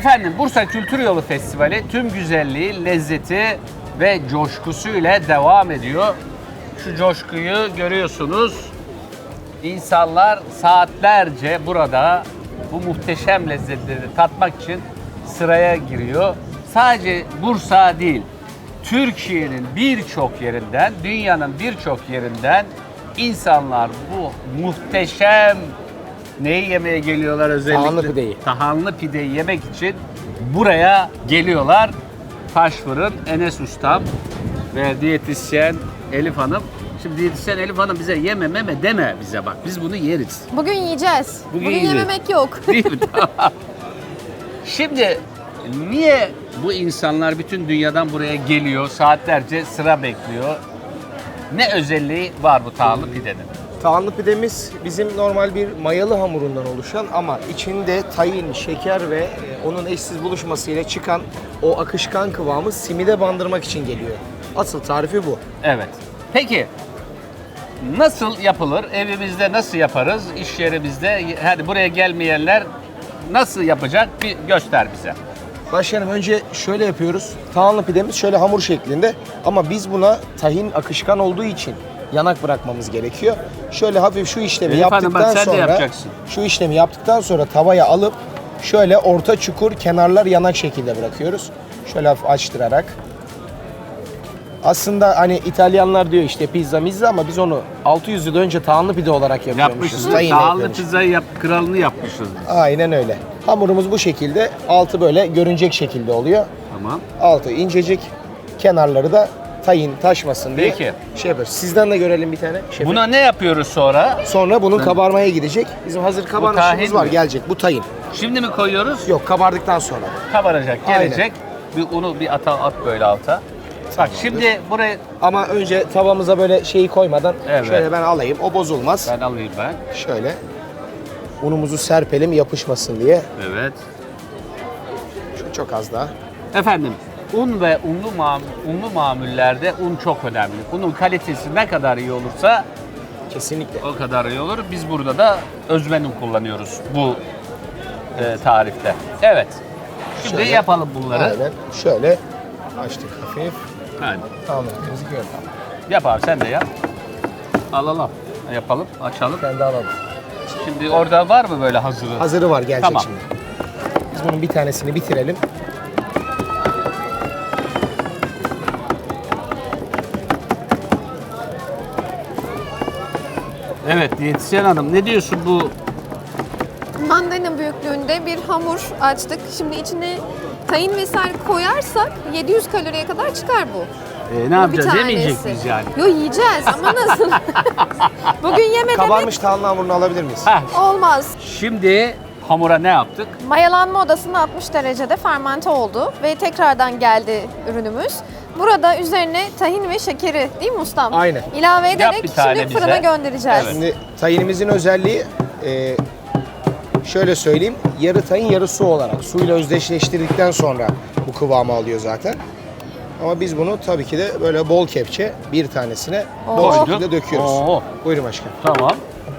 Efendim Bursa Kültür Yolu Festivali tüm güzelliği, lezzeti ve coşkusuyla devam ediyor. Şu coşkuyu görüyorsunuz. İnsanlar saatlerce burada bu muhteşem lezzetleri tatmak için sıraya giriyor. Sadece Bursa değil, Türkiye'nin birçok yerinden, dünyanın birçok yerinden insanlar bu muhteşem neyi yemeye geliyorlar özellikle? Tahanlı pideyi. Tahanlı pideyi yemek için buraya geliyorlar. Taş Fırın, Enes Ustam ve diyetisyen Elif Hanım. Şimdi diyetisyen Elif Hanım bize yeme meme deme bize bak. Biz bunu yeriz. Bugün yiyeceğiz. Bugün yiyeceğiz. yememek yok. Değil mi? Tamam. Şimdi niye bu insanlar bütün dünyadan buraya geliyor, saatlerce sıra bekliyor? Ne özelliği var bu tahanlı pidenin? Tahanlı pidemiz bizim normal bir mayalı hamurundan oluşan ama içinde tahin, şeker ve onun eşsiz buluşmasıyla çıkan o akışkan kıvamı simide bandırmak için geliyor. Asıl tarifi bu. Evet. Peki nasıl yapılır? Evimizde nasıl yaparız? İş yerimizde, hadi buraya gelmeyenler nasıl yapacak? Bir göster bize. Başkanım önce şöyle yapıyoruz. Tahanlı pidemiz şöyle hamur şeklinde ama biz buna tahin akışkan olduğu için yanak bırakmamız gerekiyor. Şöyle hafif şu işlemi Elif Hanım, bak yaptıktan sen de sonra yapacaksın. şu işlemi yaptıktan sonra tavaya alıp şöyle orta çukur kenarlar yanak şekilde bırakıyoruz. Şöyle hafif açtırarak. Aslında hani İtalyanlar diyor işte pizza mizza ama biz onu 600 yıl önce tahanlı pide olarak yapıyormuşuz. Yapmışız. Tahinle Tahanlı yapıyormuşuz. pizzayı kralını yapmışız. Aynen öyle. Hamurumuz bu şekilde. Altı böyle görünecek şekilde oluyor. Tamam. Altı incecik. Kenarları da tahin taşmasın diye Peki. şey yapıyoruz. Sizden de görelim bir tane. Şefim. Buna ne yapıyoruz sonra? Sonra bunun kabarmaya gidecek. Bizim hazır kabarmışımız tahin var. mi? Gelecek. Bu tahin. Şimdi mi koyuyoruz? Yok, kabardıktan sonra. Kabaracak, Aynen. gelecek. Bir unu bir at böyle alta. Bak şimdi buraya Ama önce tavamıza böyle şeyi koymadan Evet. şöyle ben alayım. O bozulmaz. ben alayım ben. Şöyle unumuzu serpelim yapışmasın diye. Evet. Şu çok az daha. Efendim un ve unlu mamullerde un çok önemli. Unun kalitesi ne kadar iyi olursa Kesinlikle. o kadar iyi olur. Biz burada da özmen un kullanıyoruz bu tarifte. Evet. Şimdi Şöyle. yapalım bunları. Aynen. Şöyle açtık hafif. Hadi. Tamam. Temizlik yok. Yap abi sen de yap. Alalım. Yapalım, açalım. Ben de alalım. Şimdi orada var mı böyle hazırı? Hazırı var, gelecek Tamam. şimdi. Biz bunun bir tanesini bitirelim. Evet diyetisyen hanım ne diyorsun bu? Mandalina büyüklüğünde bir hamur açtık. Şimdi içine tahin vesaire koyarsak 700 kaloriye kadar çıkar bu. Ne Bu yapacağız? bir Yemeyecek tanesi. miyiz yani? Yo yiyeceğiz ama nasıl? Bugün yeme demek Kabarmış tahanlı hamurunu alabilir miyiz? Heh, olmaz. şimdi hamura ne yaptık? Mayalanma odasında 60 derecede fermente oldu ve tekrardan geldi ürünümüz. Burada üzerine tahin ve şekeri değil mi ustam? Aynen. İlave Yap ederek bir tane şimdi fırına bize. göndereceğiz. Evet. Şimdi tahinimizin özelliği şöyle söyleyeyim. Yarı tahin yarı su olarak. Suyla özdeşleştirdikten sonra bu kıvamı alıyor zaten. Ama biz bunu tabii ki de böyle bol kepçe bir tanesine bol Oo. şekilde döküyoruz. Oo. Buyurun başkanım. Tamam.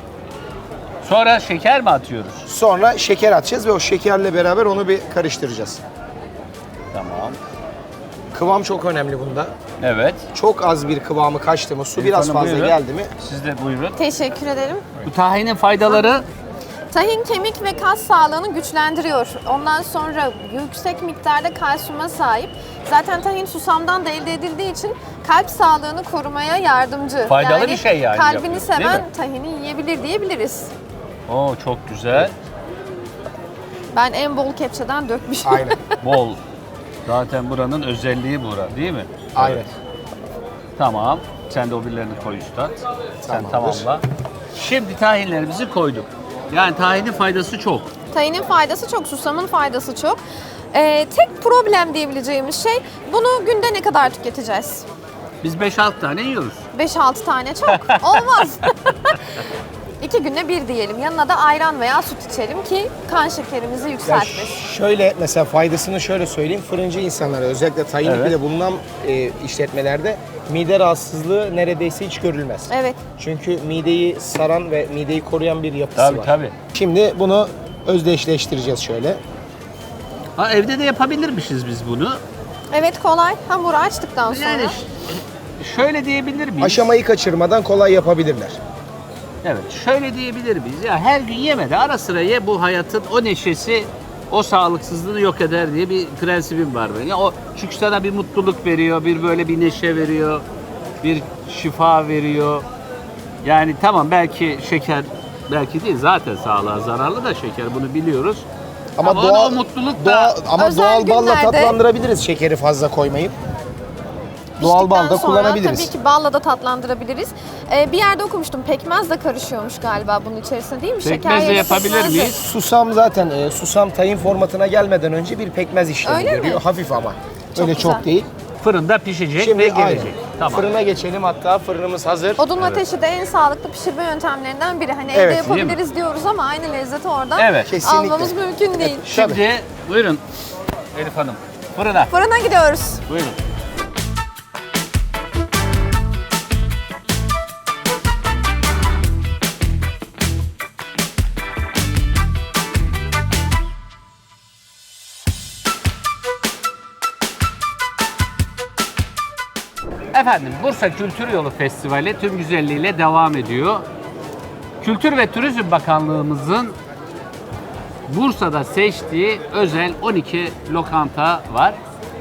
Sonra şeker mi atıyoruz? Sonra şeker atacağız ve o şekerle beraber onu bir karıştıracağız. Tamam. Kıvam çok önemli bunda. Evet. Çok az bir kıvamı kaçtı mı, su Elif biraz Hanım, fazla buyurun. geldi mi? Siz de buyurun. Teşekkür ederim. Bu tahinin faydaları Tahin kemik ve kas sağlığını güçlendiriyor. Ondan sonra yüksek miktarda kalsiyuma sahip. Zaten tahin susamdan da elde edildiği için kalp sağlığını korumaya yardımcı. Faydalı bir şey yani Kalbini yapıyor, değil seven mi? tahini yiyebilir diyebiliriz. Oo çok güzel. Ben en bol kepçeden dökmüşüm. Aynen. Bol. Zaten buranın özelliği bura değil mi? Aynen. Evet. Tamam. Sen de o birilerini koy üstad. Sen Tamamdır. tamamla. Şimdi tahinlerimizi koyduk. Yani tahinin faydası çok. Tahinin faydası çok, susamın faydası çok. Tek problem diyebileceğimiz şey bunu günde ne kadar tüketeceğiz? Biz 5-6 tane yiyoruz. 5-6 tane çok. Olmaz. 2 günde bir diyelim. Yanına da ayran veya süt içelim ki kan şekerimizi Ya yükseltmesin. şöyle mesela faydasını şöyle söyleyeyim. Fırıncı insanlara özellikle tahinli Evet. pide bulunan işletmelerde mide rahatsızlığı neredeyse hiç görülmez. Evet. Çünkü mideyi saran ve mideyi koruyan bir yapısı Tabii var. tabii. Şimdi bunu özdeşleştireceğiz şöyle. Ha, evde de yapabilirmişiz biz bunu. Evet, kolay. Hamuru açtıktan sonra. Yani şöyle diyebilir miyiz? Aşamayı kaçırmadan kolay yapabilirler. Evet, şöyle diyebilir miyiz? Ya her gün yeme de ara sıra ye, bu hayatın o neşesi, o sağlıksızlığını yok eder diye bir prensibim var benim. Ya o çünkü sana bir mutluluk veriyor, bir böyle bir neşe veriyor, bir şifa veriyor. Yani tamam, belki şeker, belki değil, zaten sağlığa zararlı da şeker, bunu biliyoruz. Ama onu doğal o mutluluk doğal, da ama Özel doğal balla günlerde- tatlandırabiliriz şekeri fazla koymayıp. Doğal bal da Piştikten sonra kullanabiliriz. Tabii ki balla da tatlandırabiliriz. Bir yerde okumuştum, pekmez de karışıyormuş galiba bunun içerisine, değil mi? Pekmez de yerine yapabilir pekmez de. miyiz? Susam zaten susam tayin formatına gelmeden önce bir pekmez işlemi Öyle mi? görüyor. Hafif ama. Öyle güzel. çok değil. fırında pişecek Şimdi ve gelecek. aynen. Tamam. Fırına geçelim, hatta fırınımız hazır. Odun ateşi de en sağlıklı pişirme yöntemlerinden biri. Hani Evet, evde yapabiliriz diyoruz ama aynı lezzeti oradan Evet. Kesinlikle. almamız mümkün değil. Şimdi buyurun Elif Hanım, fırına. Fırına gidiyoruz. Buyurun. Efendim, Bursa Kültür Yolu Festivali tüm güzelliğiyle devam ediyor. Kültür ve Turizm Bakanlığımızın Bursa'da seçtiği özel 12 lokanta var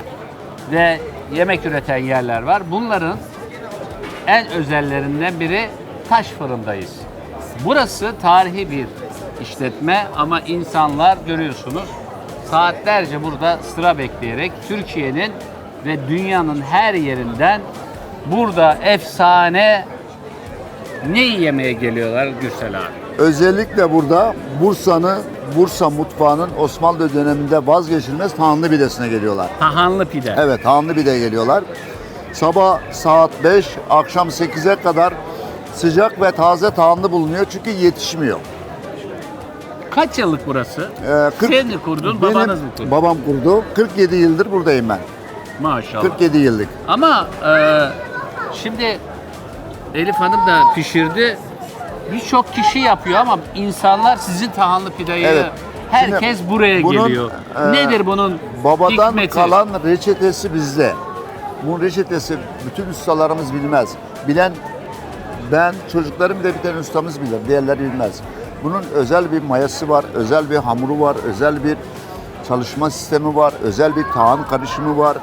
ve yemek üreten yerler var. Bunların en özellerinden biri Taş Fırın'dayız. Burası tarihi bir işletme ama insanlar görüyorsunuz saatlerce burada sıra bekleyerek Türkiye'nin ve dünyanın her yerinden burada efsane ne yemeye geliyorlar Gürsel abi? Özellikle burada Bursa mutfağının Osmanlı döneminde vazgeçilmez tahanlı pidesine geliyorlar. Tahanlı pide. Evet, tahanlı pide geliyorlar. Sabah saat 5, akşam 8'e kadar sıcak ve taze tahanlı bulunuyor çünkü yetişmiyor. Kaç yıllık burası? 40 Sen mi kurdun, benim babanız mı kurdu? Babam kurdu. 47 yıldır buradayım ben. Maşallah. 47 yıllık. Ama şimdi Elif Hanım da pişirdi. Birçok kişi yapıyor ama insanlar sizin tahanlı pideyi Evet. herkes Şimdi buraya bunun, geliyor. Nedir bunun Babadan hikmeti? kalan reçetesi bizde. Bu reçetesi bütün ustalarımız bilmez. Bilen ben, çocuklarım bile bir tane ustamız bilir. Diğerleri bilmez. Bunun özel bir mayası var, özel bir hamuru var, özel bir çalışma sistemi var, özel bir tahan karışımı var.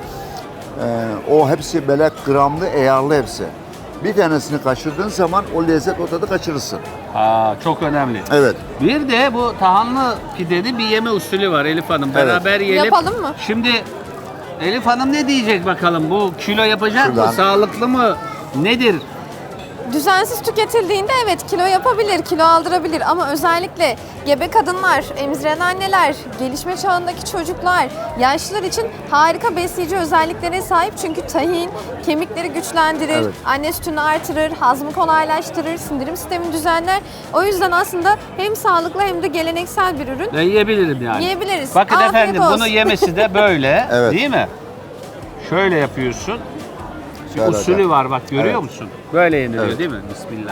O hepsi böyle gramlı, eyarlı hepsi. Bir tanesini kaçırdığın zaman o lezzet, o tadı kaçırırsın. Çok önemli. Evet. Bir de bu tahanlı pidenin bir yeme usulü var Elif Hanım. Beraber yiyelim. Yapalım mı? Şimdi Elif Hanım ne diyecek bakalım? Bu kilo yapacak mı? Şuradan. Sağlıklı mı? Nedir? Düzensiz tüketildiğinde evet kilo yapabilir, kilo aldırabilir ama özellikle gebe kadınlar, emziren anneler, gelişme çağındaki çocuklar, yaşlılar için harika besleyici özelliklere sahip. Çünkü tahin kemikleri güçlendirir, Evet. anne sütünü artırır, hazmı kolaylaştırır, sindirim sistemini düzenler. O yüzden aslında hem sağlıklı hem de geleneksel bir ürün. Ben yiyebilirim yani. Yiyebiliriz. Bakın Afiyet efendim olsun. bunu yemesi de böyle Evet. değil mi? Şöyle yapıyorsun. Bir Şöyle usulü hocam. var bak, görüyor Evet. musun? Böyle yeniliyor Evet. değil mi? Bismillah.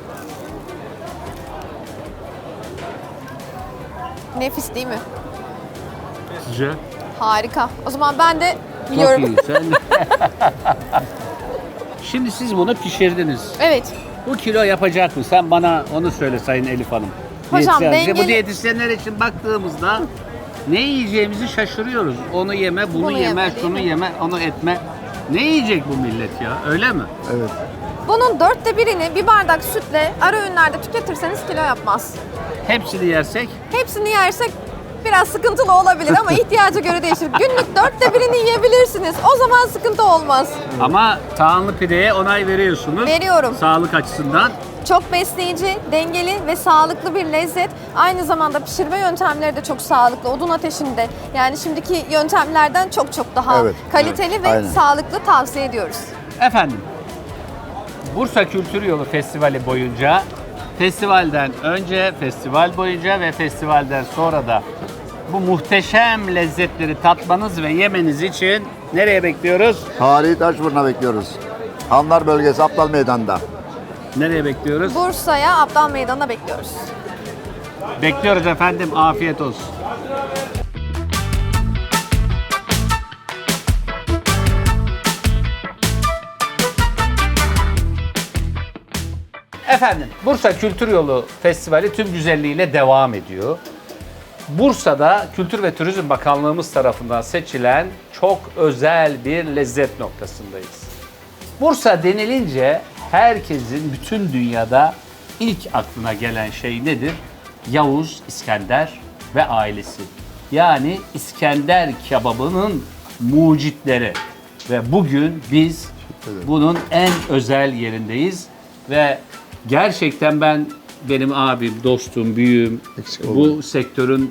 Nefis değil mi? Sizce? Harika. O zaman ben de Çok yiyorum. iyi. Sen... Şimdi siz bunu pişirdiniz. Evet. Bu kilo yapacak mı? Sen bana onu söyle Sayın Elif Hanım. Hocam, Diyetisyen. Bu dengeli- diyetisyenler için baktığımızda ne yiyeceğimizi şaşırıyoruz. Onu yeme, bunu, Bunu yeme, yeme, değil şunu mi? yeme, onu etme. Ne yiyecek bu millet ya? Öyle mi? Evet. Bunun 1/4'ünü bir bardak sütle ara öğünlerde tüketirseniz kilo yapmaz. Hepsini yersek Hepsini yersek biraz sıkıntılı olabilir ama ihtiyaca göre değişir. Günlük 1/4'ünü yiyebilirsiniz. O zaman sıkıntı olmaz. ama tahanlı pideye onay veriyorsunuz. Veriyorum. Sağlık açısından. Çok besleyici, dengeli ve sağlıklı bir lezzet. Aynı zamanda pişirme yöntemleri de çok sağlıklı. Odun ateşinde. Yani şimdiki yöntemlerden çok çok daha Evet, kaliteli evet, ve aynen. sağlıklı tavsiye ediyoruz. Efendim, Bursa Kültür Yolu Festivali boyunca, festivalden önce, festival boyunca ve festivalden sonra da bu muhteşem lezzetleri tatmanız ve yemeniz için nereye bekliyoruz? Tarihi taş fırına bekliyoruz. Hanlar bölgesi, Aptal Meydan'da. Nereye bekliyoruz? Bursa'ya Abdal Meydanı'na bekliyoruz. Bekliyoruz efendim. Afiyet olsun. Efendim, Bursa Kültür Yolu Festivali tüm güzelliğiyle devam ediyor. Bursa'da Kültür ve Turizm Bakanlığımız tarafından seçilen çok özel bir lezzet noktasındayız. Bursa denilince herkesin bütün dünyada ilk aklına gelen şey nedir? Yavuz İskender ve ailesi. Yani İskender kebabının mucitleri. Ve bugün biz bunun en özel yerindeyiz. Ve gerçekten benim abim, dostum, büyüğüm, bu sektörün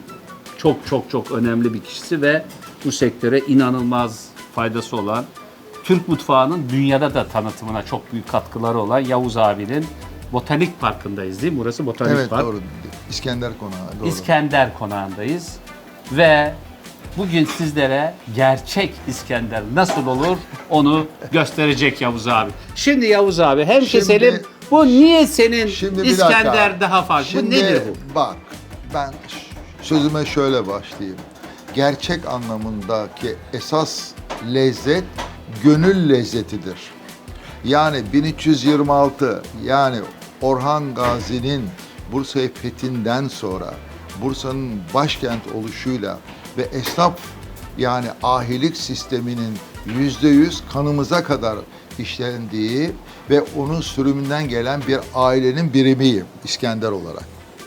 çok önemli bir kişisi ve bu sektöre inanılmaz faydası olan, Türk mutfağının dünyada da tanıtımına çok büyük katkıları olan Yavuz abinin Botanik Parkı'ndayız değil mi? Burası Botanik Evet Park. doğru. İskender Konağı. Doğru. İskender Konağı'ndayız ve bugün sizlere gerçek İskender nasıl olur onu gösterecek Yavuz abi. Şimdi Yavuz abi hem keselim, bu niye senin Şimdi bir İskender dakika. daha farklı? Şimdi Bu nedir bu? bak, ben sözüme şöyle başlayayım. Gerçek anlamındaki esas lezzet gönül lezzetidir. Yani 1326, yani Orhan Gazi'nin Bursa'yı fethinden sonra Bursa'nın başkent oluşuyla ve esnaf, yani ahilik sisteminin %100 kanımıza kadar işlendiği ve onun sürümünden gelen bir ailenin birimiyim İskender olarak.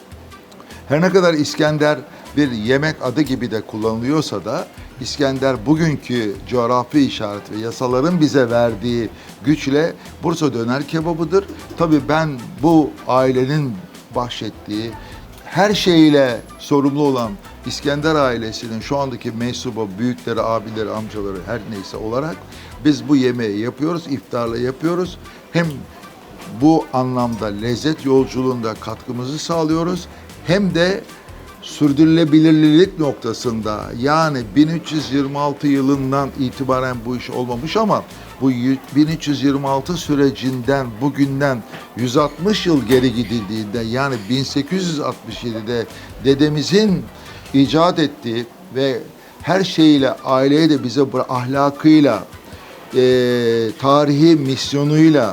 Her ne kadar İskender bir yemek adı gibi de kullanılıyorsa da İskender bugünkü coğrafi işaret ve yasaların bize verdiği güçle Bursa döner kebabıdır. Tabii ben bu ailenin bahşettiği, her şeyiyle sorumlu olan İskender ailesinin şu andaki mensubu, büyükleri, abileri, amcaları her neyse olarak biz bu yemeği yapıyoruz, iftarla yapıyoruz. Hem bu anlamda lezzet yolculuğunda katkımızı sağlıyoruz, hem de sürdürülebilirlik noktasında, yani 1326 yılından itibaren bu iş olmamış ama bu 1326 sürecinden bugünden 160 yıl geri gidildiğinde, yani 1867'de dedemizin icat ettiği ve her şeyiyle, aileye de bize ahlakıyla, tarihi misyonuyla,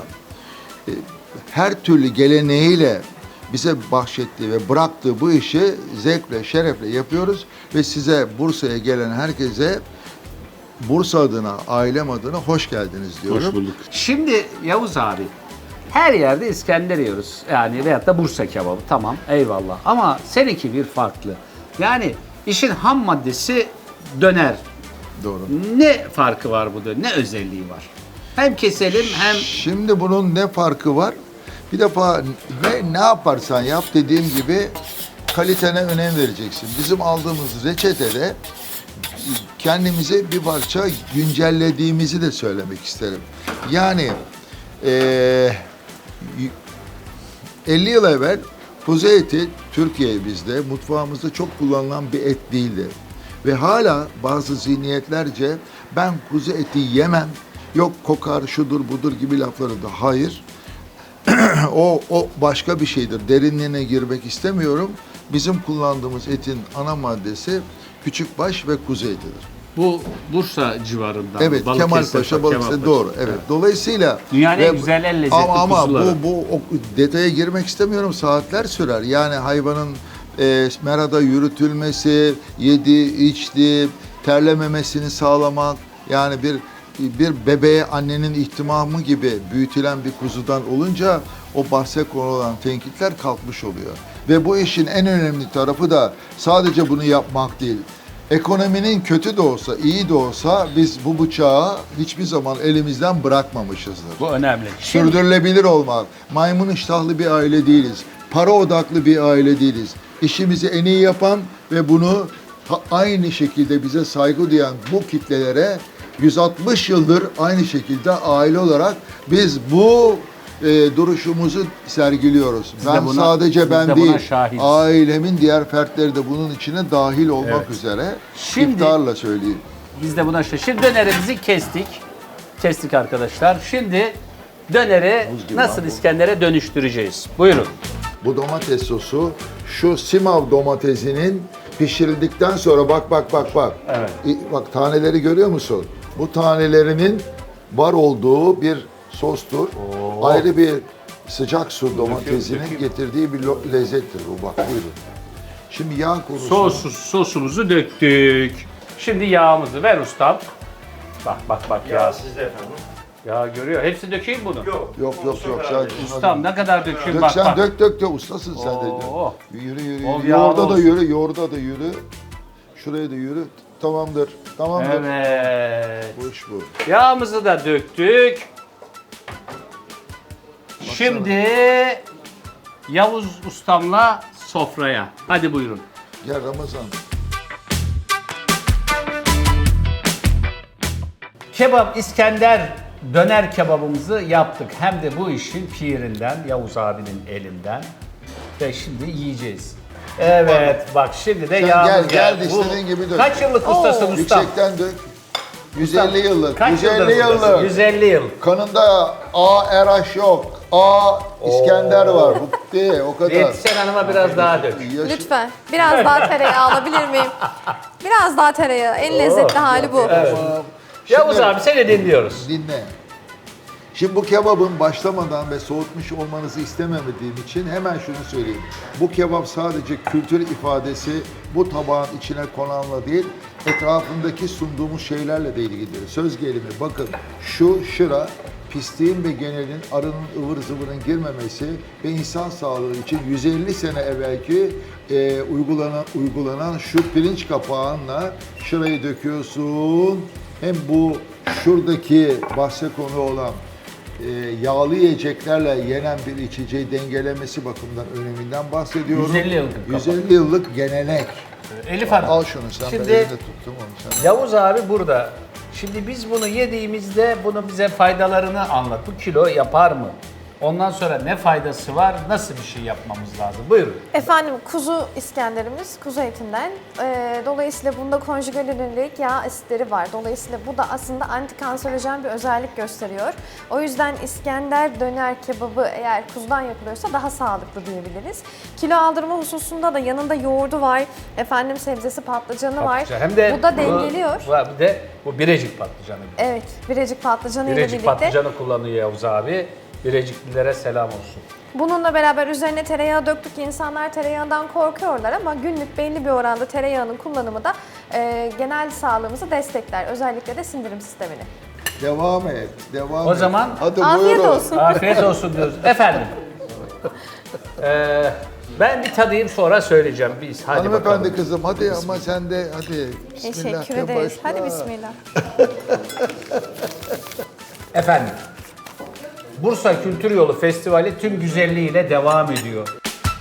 her türlü geleneğiyle bize bahşettiği ve bıraktığı bu işi zevkle, şerefle yapıyoruz ve size, Bursa'ya gelen herkese Bursa adına, ailem adına hoş geldiniz diyorum. Hoş bulduk. Şimdi Yavuz abi, her yerde İskender yiyoruz. Yani veyahut da Bursa kebabı, tamam, eyvallah. Ama seninki bir farklı. Yani işin ham maddesi döner. Doğru. Ne farkı var bu döner? Ne özelliği var? Hem keselim hem... Şimdi bunun ne farkı var? Bir defa ne yaparsan yap, dediğim gibi kalitene önem vereceksin. Bizim aldığımız reçetede kendimize bir parça güncellediğimizi de söylemek isterim. Yani 50 yıl evvel kuzu eti Türkiye'mizde, mutfağımızda çok kullanılan bir et değildi. Ve hala bazı zihniyetlerce ben kuzu eti yemem, yok kokar, şudur budur gibi lafları da hayır. O başka bir şeydir. Derinliğine girmek istemiyorum. Bizim kullandığımız etin ana maddesi küçükbaş ve kuzu etidir. Bu Bursa civarından. Evet, Kemalpaşa, Balıkesir, doğru. Evet. Dolayısıyla dünyanın en güzel en lezzetli ama kuzuları. bu detaya girmek istemiyorum. Saatler sürer. Yani hayvanın merada yürütülmesi, yedi, içti, terlememesini sağlamak, yani bir bebeğe annenin ihtimamı gibi büyütülen bir kuzudan olunca o bahse konulan tenkitler kalkmış oluyor. Ve bu işin en önemli tarafı da sadece bunu yapmak değil. Ekonominin kötü de olsa, iyi de olsa biz bu bıçağı hiçbir zaman elimizden bırakmamışızdır. Bu önemli. Sürdürülebilir olmak. Maymun iştahlı bir aile değiliz. Para odaklı bir aile değiliz. İşimizi en iyi yapan ve bunu aynı şekilde bize saygı duyan bu kitlelere 160 yıldır aynı şekilde aile olarak biz bu duruşumuzu sergiliyoruz. Sadece ben değil, ailemin diğer fertleri de bunun içine dahil olmak üzere. Şimdi, iftarla söyleyeyim. Biz de buna şimdi dönerimizi kestik. Kestik arkadaşlar. Şimdi döneri nasıl İskender'e dönüştüreceğiz? Buyurun. Bu domates sosu şu Simav domatesinin pişirildikten sonra bak. Evet. Bak taneleri görüyor musun? Bu tanelerinin var olduğu bir sostur. Ayrı bir sıcak su domatesinin dökeyim. getirdiği bir lezzettir bu. Bak buyurun. Şimdi yağ konusu. Sosumuzu döktük. Şimdi yağımızı ver ustam. Bak yağ. Sizde efendim. Ya görüyor. Hepsi dökeyim bunu. Yok. Sen Ustam ne kadar dökeyim dök bak sen bak. dök. Ustasın sen de. Oo. Yürü. Bol yağlı Yoğurda da olsun. yürü. Yoğurda da yürü. Şuraya da yürü. Tamamdır. Evet. Bu iş bu. Yağımızı da döktük. Şimdi Yavuz ustamla sofraya. Hadi buyurun. Gel Ramazan. Kebap İskender döner kebabımızı yaptık. Hem de bu işin pirinden, Yavuz abinin elinden. Ve şimdi yiyeceğiz. Evet bak şimdi de Sen yağımız gel geldi. istediğin gibi dök. Kaç yıllık ustasın ustam? Yüksekten dök. 150 yıllık. Kaç 150 yıldır buradasın? yıllık. 150 yıl. Kanında A. Eraş yok. A. İskender var. Bu değil, o kadar. Diyetisyen hanıma biraz daha dök. Yaşı- Lütfen biraz daha tereyağı alabilir miyim? Biraz daha tereyağı. En lezzetli hali bu. Tamam. Yavuz Şimdi abi seni dinliyoruz. dinle. Şimdi bu kebabın başlamadan ve soğutmuş olmanızı istememediğim için hemen şunu söyleyeyim. Bu kebap sadece kültür ifadesi, bu tabağın içine konanla değil, etrafındaki sunduğumuz şeylerle de ilgilidir. Söz gelimi bakın şıra pisliğin ve genelin arının ıvır zıvırın girmemesi ve insan sağlığı için 150 sene evvelki uygulanan şu pirinç kapağınla şırayı döküyorsun. Hem bu şuradaki bahse konu olan yağlı yiyeceklerle yenen bir içeceği dengelemesi bakımından öneminden bahsediyorum. 150 yıllık kapak. 150 yıllık gelenek. Elif Hanım. Al şunu sen, Şimdi- ben elinde tuttum onu sen. Yavuz abi burada. Şimdi biz bunu yediğimizde bunu bize faydalarını anlat. Bu kilo yapar mı? Ondan sonra ne faydası var? Nasıl bir şey yapmamız lazım? Buyurun. Efendim kuzu İskenderimiz kuzu etinden. Dolayısıyla bunda konjugalilik yağ asitleri var. Dolayısıyla bu da aslında antikanserojen bir özellik gösteriyor. O yüzden İskender döner kebabı eğer kuzudan yapılıyorsa daha sağlıklı diyebiliriz. Kilo aldırma hususunda da yanında yoğurdu var. Efendim sebzesi patlıcanı var. Hem de bu da dengeliyor. Bir de bu Birecik patlıcanı. Evet, Birecik patlıcanı ile Birecik birlikte. patlıcanı kullanıyor Yavuz abi. Bireciklilere selam olsun. Bununla beraber üzerine tereyağı döktük. İnsanlar tereyağından korkuyorlar ama günlük belli bir oranda tereyağının kullanımı da genel sağlığımızı destekler. Özellikle de sindirim sistemini. Devam et. Devam O et. zaman- Hadi Afiyet buyurun. olsun. Afiyet olsun diyoruz. Efendim. Ben bir tadayım sonra söyleyeceğim. Biz hadi Hanımefendi bakalım. kızım hadi ama sen de hadi. Teşekkür Bismillah'tan ederiz. başla. Hadi bismillah. Efendim. Bursa Kültür Yolu Festivali tüm güzelliğiyle devam ediyor.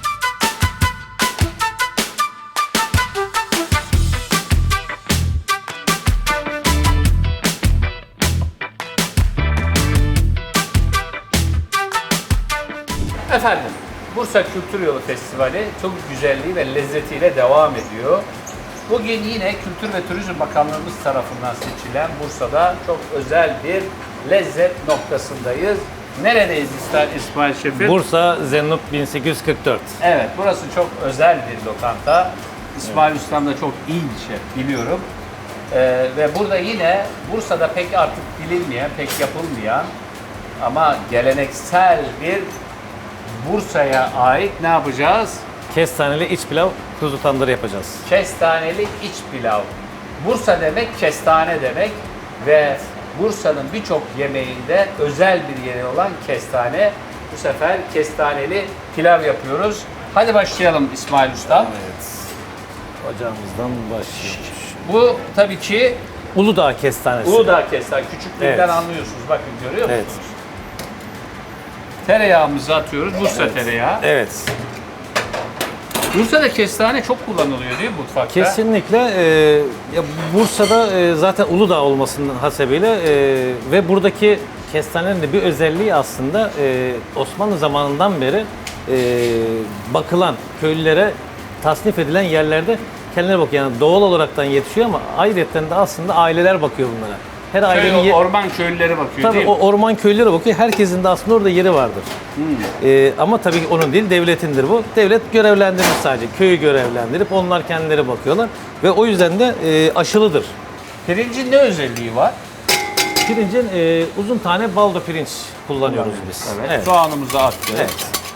Efendim, Bursa Kültür Yolu Festivali tüm güzelliği ve lezzetiyle devam ediyor. Bugün yine Kültür ve Turizm Bakanlığımız tarafından seçilen Bursa'da çok özel bir lezzet noktasındayız. Neredeyiz İsmail Şefim? Bursa Zennup 1844. Evet, burası çok özel bir lokanta. İsmail Ustam da çok iyi bir şef, biliyorum. Ve burada yine Bursa'da pek artık bilinmeyen, pek yapılmayan ama geleneksel bir Bursa'ya ait ne yapacağız? Kestaneli iç pilav kuzu tandırı yapacağız. Kestaneli iç pilav. Bursa demek kestane demek ve Bursa'nın birçok yemeğinde özel bir yeri olan kestane. Bu sefer kestaneli pilav yapıyoruz. Hadi başlayalım İsmail Usta. Evet. Ocağımızdan başlıyoruz. Bu tabii ki Uludağ kestanesi. Uludağ kestane. Küçüklükten Evet. anlıyorsunuz. Bakın görüyor musunuz? Evet. Tereyağımızı atıyoruz. Bursa tereyağı. Evet. Bursa'da kestane çok kullanılıyor değil mi mutfakta? Kesinlikle. Ya Bursa'da zaten Uludağ olmasının hasebiyle ve buradaki kestanenin de bir özelliği aslında Osmanlı zamanından beri bakılan köylülere tasnif edilen yerlerde kendileri bakıyor. Yani doğal olaraktan yetişiyor ama ayrıca de aslında aileler bakıyor bunlara. Her ailenin Köy, orman köylüleri bakıyor tabii değil mi? o orman köylülere bakıyor. Herkesin de aslında orada yeri vardır. Ama tabii ki onun değil, devletindir bu. Devlet görevlendirir sadece. Köyü görevlendirip onlar kendileri bakıyorlar. Ve o yüzden de aşılıdır. Pirincin ne özelliği var? pirincin uzun tane baldo pirinç kullanıyoruz biz. Evet. Soğanımızı attık. Evet.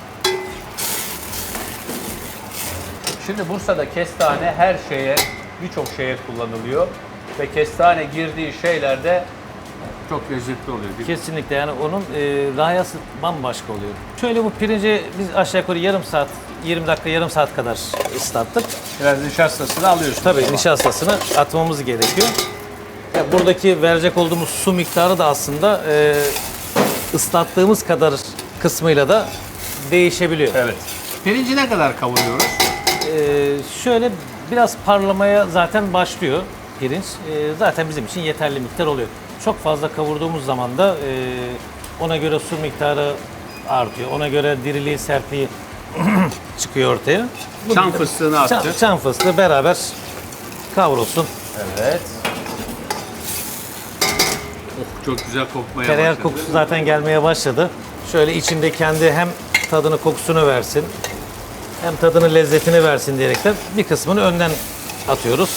Şimdi Bursa'da kestane her şeye, birçok şeye kullanılıyor. Ve kestane girdiği şeylerde çok lezzetli oluyor. Değil mi? Kesinlikle, yani onun rayası bambaşka oluyor. Şöyle bu pirinci biz aşağı yukarı yarım saat, 20 dakika, yarım saat kadar ıslattık. Biraz nişastasını alıyorsun. Tabii nişastasını atmamız gerekiyor. Ya buradaki verecek olduğumuz su miktarı da aslında ıslattığımız kadar kısmıyla da değişebiliyor. Evet. Pirinci ne kadar kavuruyoruz? Şöyle biraz parlamaya zaten başlıyor pirinç. Zaten bizim için yeterli miktar oluyor. Çok fazla kavurduğumuz zaman da ona göre su miktarı artıyor. Ona göre diriliği, sertliği çıkıyor ortaya. Çam fıstığını attık. Çam fıstığı beraber kavrulsun. Evet. Oh, çok güzel kokmaya Tereyağı başladı. kokusu zaten gelmeye başladı. Şöyle içinde kendi hem tadını, kokusunu versin, hem tadını, lezzetini versin diyerekten bir kısmını önden atıyoruz.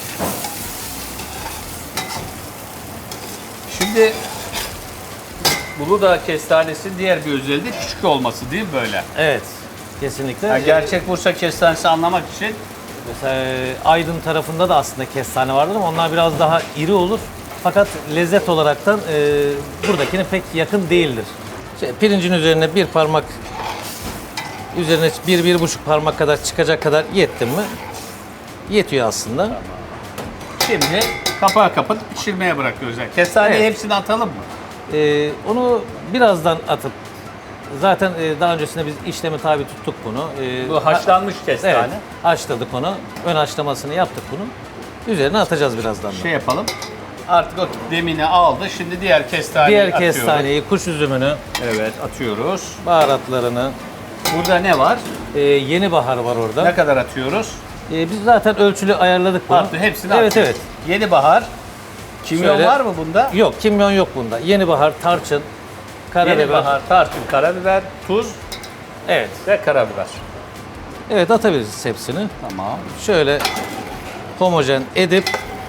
Şimdi Uludağ kestanesi diğer bir özelliği de küçük olması değil mi böyle? Evet, kesinlikle. Yani gerçek Bursa kestanesi anlamak için Mesela Aydın tarafında da aslında kestane vardır ama onlar biraz daha iri olur. Fakat lezzet olaraktan buradakine pek yakın değildir. Pirincin üzerine bir parmak, üzerine 1-1,5 parmak kadar çıkacak kadar yettim mi? Yetiyor aslında. şimdi kapağı kapatıp pişirmeye bırakıyoruz. Yani kestaneyi Evet. hepsini atalım mı? Onu birazdan atıp, zaten daha öncesinde biz işlemi tabi tuttuk bunu. Bu haşlanmış kestane. Evet, haşladık onu. Ön haşlamasını yaptık bunu. Üzerine atacağız birazdan da. Şey yapalım. Artık o demini aldı. Şimdi diğer kestaneyi Diğer atıyoruz. kestaneyi, kuş üzümünü, Evet, atıyoruz. baharatlarını, Burada ne var? yeni bahar var orada. Ne kadar atıyoruz? Biz zaten ölçülü ayarladık bunu. Attı, hepsini Evet, attık. evet. Yeni bahar. Kimyon Şöyle- var mı bunda? Yok, kimyon yok bunda. Yeni bahar, tarçın, Yeni karabiber. bahar, tarçın, karabiber, tuz Evet. ve karabiber. Evet, atabiliriz hepsini. Tamam. Şöyle homojen edip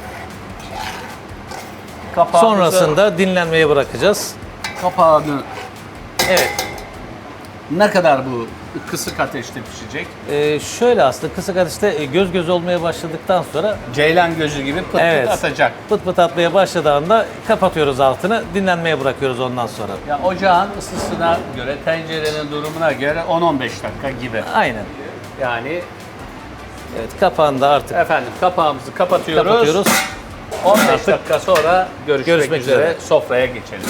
Kapağımızı, sonrasında dinlenmeye bırakacağız. kapağını Evet. ne kadar bu kısık ateşte pişecek? Şöyle aslında kısık ateşte göz göz olmaya başladıktan sonra Ceylan gözü gibi pıt evet, pıt atacak. pıt pıt atmaya başladığında kapatıyoruz altını, dinlenmeye bırakıyoruz ondan sonra. Ya ocağın ısısına göre, tencerenin durumuna göre 10-15 dakika gibi. Aynen. Yani Evet, kapağını da artık efendim kapağımızı kapatıyoruz. kapatıyoruz. 15 dakika sonra görüşmek üzere. üzere. Sofraya geçelim.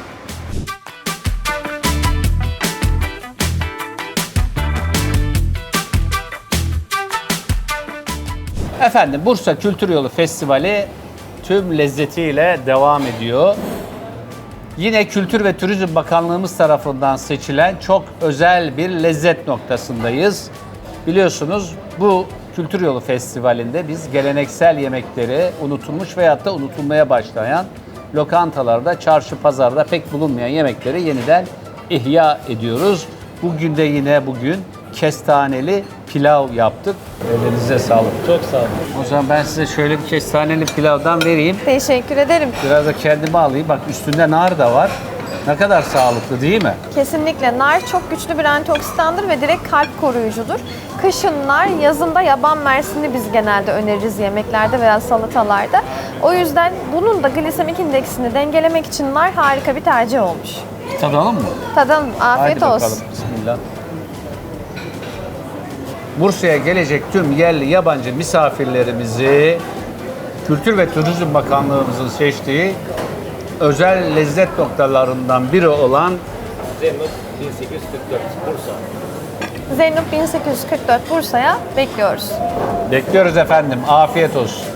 Efendim Bursa Kültür Yolu Festivali tüm lezzetiyle devam ediyor. Yine Kültür ve Turizm Bakanlığımız tarafından seçilen çok özel bir lezzet noktasındayız. Biliyorsunuz bu Kültür Yolu Festivali'nde biz geleneksel yemekleri unutulmuş veyahut da unutulmaya başlayan lokantalarda, çarşı, pazarda pek bulunmayan yemekleri yeniden ihya ediyoruz. Bugün de yine kestaneli pilav yaptık. Elinize sağlık. Çok sağ olun. O zaman ben size şöyle bir kestaneli pilavdan vereyim. Teşekkür ederim. Biraz da kendime alayım. Bak üstünde nar da var. Ne kadar sağlıklı değil mi? Kesinlikle nar çok güçlü bir antioksidandır ve direkt kalp koruyucudur. Kışın nar, yazında yaban mersini biz genelde öneririz yemeklerde veya salatalarda. O yüzden bunun da glisemik indeksini dengelemek için nar harika bir tercih olmuş. Tadalım mı? Tadalım, afiyet Haydi olsun. bakalım. Bismillah. Bursa'ya gelecek tüm yerli yabancı misafirlerimizi Kültür ve Turizm Bakanlığımızın seçtiği özel lezzet noktalarından biri olan Zeynep 1844 Bursa. Zeynep 1844 Bursa'ya bekliyoruz. bekliyoruz efendim. Afiyet olsun.